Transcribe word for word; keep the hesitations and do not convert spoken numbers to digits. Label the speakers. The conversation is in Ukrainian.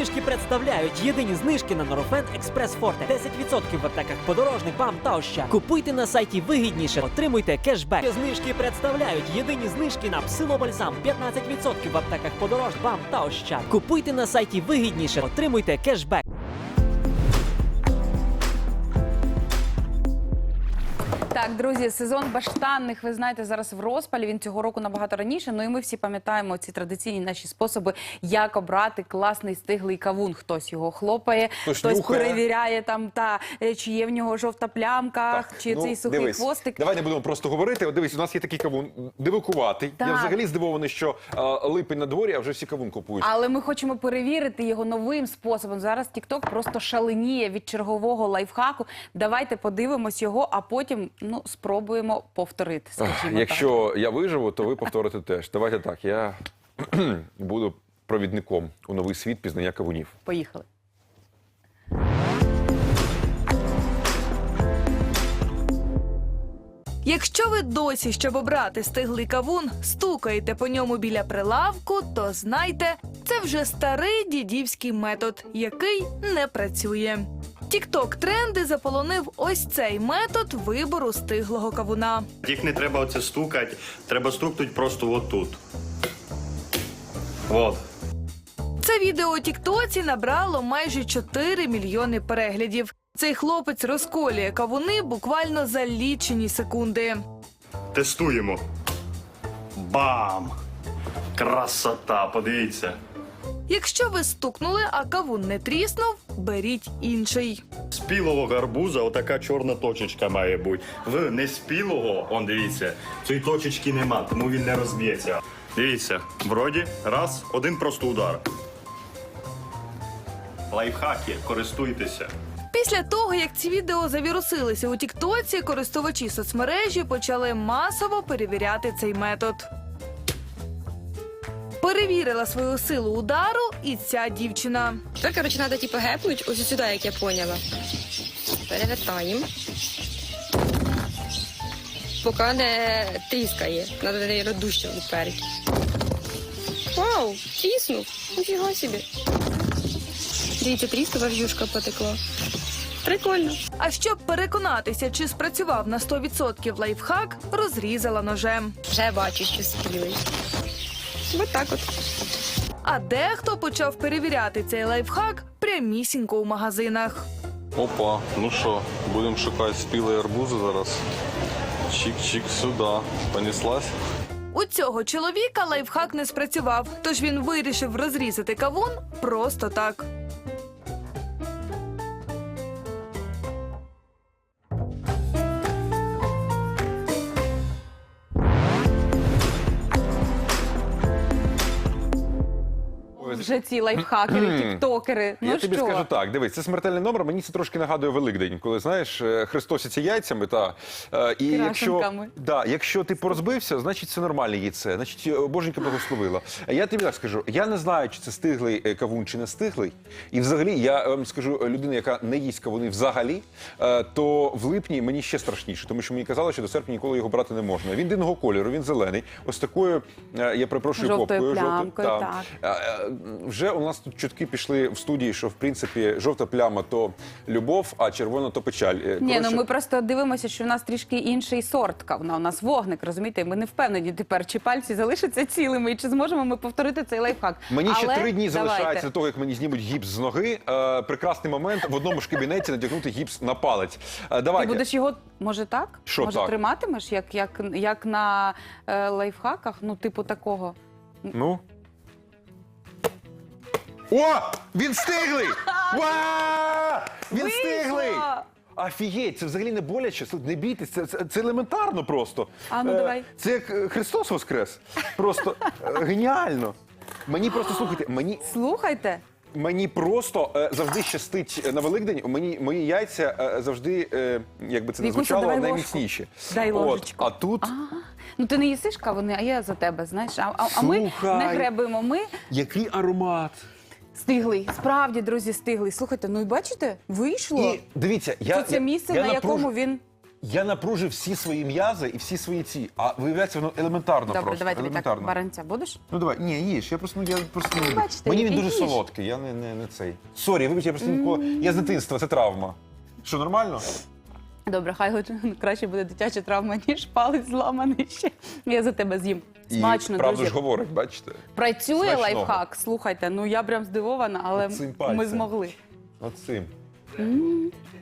Speaker 1: Знижки представляють єдині знижки на Норофен Експрес Форте. десять відсотків в аптеках Подорожник, БАМ та Ощад. Купуйте на сайті вигідніше, отримуйте кешбек. Знижки представляють єдині знижки на Псилобальзам. п'ятнадцять відсотків в аптеках Подорожник, БАМ та Ощад. Купуйте на сайті вигідніше, отримуйте кешбек.
Speaker 2: Так, друзі, сезон баштанних, ви знаєте, зараз в розпалі, він цього року набагато раніше, ну і ми всі пам'ятаємо ці традиційні наші способи, як обрати класний стиглий кавун. Хтось його хлопає,
Speaker 3: хтось,
Speaker 2: хтось
Speaker 3: нюхає.
Speaker 2: перевіряє, там, та, чи є в нього жовта плямка,
Speaker 3: Так,
Speaker 2: чи
Speaker 3: ну,
Speaker 2: цей сухий
Speaker 3: дивись,
Speaker 2: хвостик.
Speaker 3: Давай не будемо просто говорити. От дивись, у нас є такий кавун дивакуватий.
Speaker 2: Так.
Speaker 3: Я взагалі здивований, що а, липень на дворі, а вже всі кавун купують.
Speaker 2: Але ми хочемо перевірити його новим способом. Зараз TikTok просто шаленіє від чергового лайфхаку. Давайте подивимось його, а потім ну, спробуємо повторити, скажімо
Speaker 3: Якщо
Speaker 2: так.
Speaker 3: я виживу, то ви повторите теж. Давайте так, я буду провідником у новий світ пізнання кавунів.
Speaker 2: Поїхали.
Speaker 4: Якщо ви досі, щоб обрати стиглий кавун, стукаєте по ньому біля прилавку, то знайте, це вже старий дідівський метод, який не працює. Тік-ток-тренди заполонив ось цей метод вибору стиглого кавуна.
Speaker 5: Їх не треба оце стукати, треба стукнути просто отут. От.
Speaker 4: Це відео у тіктоці набрало майже чотири мільйони переглядів. Цей хлопець розколює кавуни буквально за лічені секунди.
Speaker 5: Тестуємо. Бам! Красота, подивіться.
Speaker 4: Якщо ви стукнули, а кавун не тріснув, беріть інший.
Speaker 5: Спілого гарбуза отака чорна точечка має бути. В неспілого, он дивіться, цієї точечки нема, тому він не розб'ється. Дивіться, вроді, раз, один просто удар. Лайфхаки, користуйтеся.
Speaker 4: Після того, як ці відео завірусилися у тіктоці, користувачі соцмережі почали масово перевіряти цей метод. Перевірила свою силу удару і ця дівчина.
Speaker 6: Тепер, коротше, треба типу гепнуть ось сюди, як я поняла. Перевертаємо. Поки не тріскає. Треба неї роздущувати вперед. Вау, тріснув. Нифіга собі. Дивіться, тріскова в'юшка потекла. Прикольно.
Speaker 4: А щоб переконатися, чи спрацював на сто відсотків лайфхак, розрізала ножем.
Speaker 6: Вже бачу, що спілий. Ось так от.
Speaker 4: А дехто почав перевіряти цей лайфхак прямісінько у магазинах.
Speaker 7: Опа, ну що, будемо шукати спілі арбузи зараз. Чик-чик сюди. Понеслась?
Speaker 4: У цього чоловіка лайфхак не спрацював, тож він вирішив розрізати кавун просто так.
Speaker 2: Вже ці лайфхакери, тіктокери. Ну
Speaker 3: Я тобі
Speaker 2: що?
Speaker 3: скажу так, дивись, це смертельний номер, мені це трошки нагадує Великдень, коли, знаєш, е, хрестосяться яйцями, та, е, і якщо,
Speaker 2: Крашенками.
Speaker 3: да, якщо ти порозбився, значить це нормальне яйце, значить е, Боженька благословила. А я тобі так скажу, я не знаю, чи це стиглий е, кавун, чи не стиглий, і взагалі, я вам скажу, людина, яка не їсть кавуни взагалі, е, то в липні мені ще страшніше, тому що мені казали, що до серпня ніколи його брати не можна. Він дивного кольору, він зелений, ось такою, е, я перепрошую,
Speaker 2: Жовтою
Speaker 3: попкою.
Speaker 2: плямкою,
Speaker 3: жовтою,
Speaker 2: так.
Speaker 3: Е, е, Вже у нас тут чутки пішли в студії, що в принципі жовта пляма то любов, а червона то печаль. Е,
Speaker 2: Ні,
Speaker 3: коротше,
Speaker 2: ну ми просто дивимося, що в нас трішки інший сорт кавуна. У нас вогник, розумієте? Ми не впевнені тепер, чи пальці залишаться цілими, і чи зможемо ми повторити цей лайфхак.
Speaker 3: Мені ще
Speaker 2: Але
Speaker 3: три дні
Speaker 2: давайте.
Speaker 3: залишається до того, як мені знімуть гіпс з ноги. Е, прекрасний момент в одному ж кабінеті надягнути гіпс на палець. Е,
Speaker 2: Ти
Speaker 3: давайте.
Speaker 2: будеш його, може так?
Speaker 3: Що
Speaker 2: може
Speaker 3: так?
Speaker 2: триматимеш, як, як, як на е, лайфхаках? Ну, типу такого.
Speaker 3: Ну. О! Він стиглий! Ва! Він
Speaker 2: Вийшло!
Speaker 3: стиглий! Офігеть, це взагалі не боляче, Слухай, не бійтесь, це, це, це елементарно просто.
Speaker 2: А, ну,
Speaker 3: Е,
Speaker 2: давай.
Speaker 3: Це як е, Христос воскрес. Просто е, геніально. Мені просто, слухайте, мені,
Speaker 2: Слухайте.
Speaker 3: мені просто е, завжди щастить на Великдень, мені, мої яйця е, завжди, е, як би це не
Speaker 2: Вікуся,
Speaker 3: звучало,
Speaker 2: давай
Speaker 3: найміцніші.
Speaker 2: ложку. Дай
Speaker 3: От,
Speaker 2: ложечку.
Speaker 3: а тут
Speaker 2: Ну, ти не їсиш кавуни, а я за тебе, знаєш. А, а, а ми
Speaker 3: Слухай.
Speaker 2: не гребуємо. Ми
Speaker 3: який аромат.
Speaker 2: стиглий. Справді, друзі, стиглий. Слухайте, ну і бачите, вийшло.
Speaker 3: І дивіться, я,
Speaker 2: Це це
Speaker 3: я-
Speaker 2: місце,
Speaker 3: я
Speaker 2: на
Speaker 3: напруж-
Speaker 2: якому він
Speaker 3: Я напружив всі свої м'язи і всі свої ці. А виявляється, воно елементарно
Speaker 2: Добре,
Speaker 3: просто.
Speaker 2: давай тобі так
Speaker 3: елементарно.
Speaker 2: баранця будеш?
Speaker 3: Ну давай, ні, їж. Я просто, ну, я просто не люблю.
Speaker 2: бачите,
Speaker 3: Мені він
Speaker 2: який
Speaker 3: дуже
Speaker 2: їж.
Speaker 3: солодкий, я не, не, не цей. Сорі, вибач, я просто ніколи. Я з дитинства, це травма. Що, нормально?
Speaker 2: Добре, хай хоч краще буде дитяча травма, ніж палець зламаний ще. Я за тебе з'їм.
Speaker 3: І
Speaker 2: Смачно,
Speaker 3: правду
Speaker 2: друзі.
Speaker 3: ж говорить, бачите?
Speaker 2: Працює
Speaker 3: Смачного.
Speaker 2: лайфхак. Слухайте, ну я прям здивована, але
Speaker 3: Оцим
Speaker 2: ми
Speaker 3: пальцем.
Speaker 2: змогли.
Speaker 3: От цим.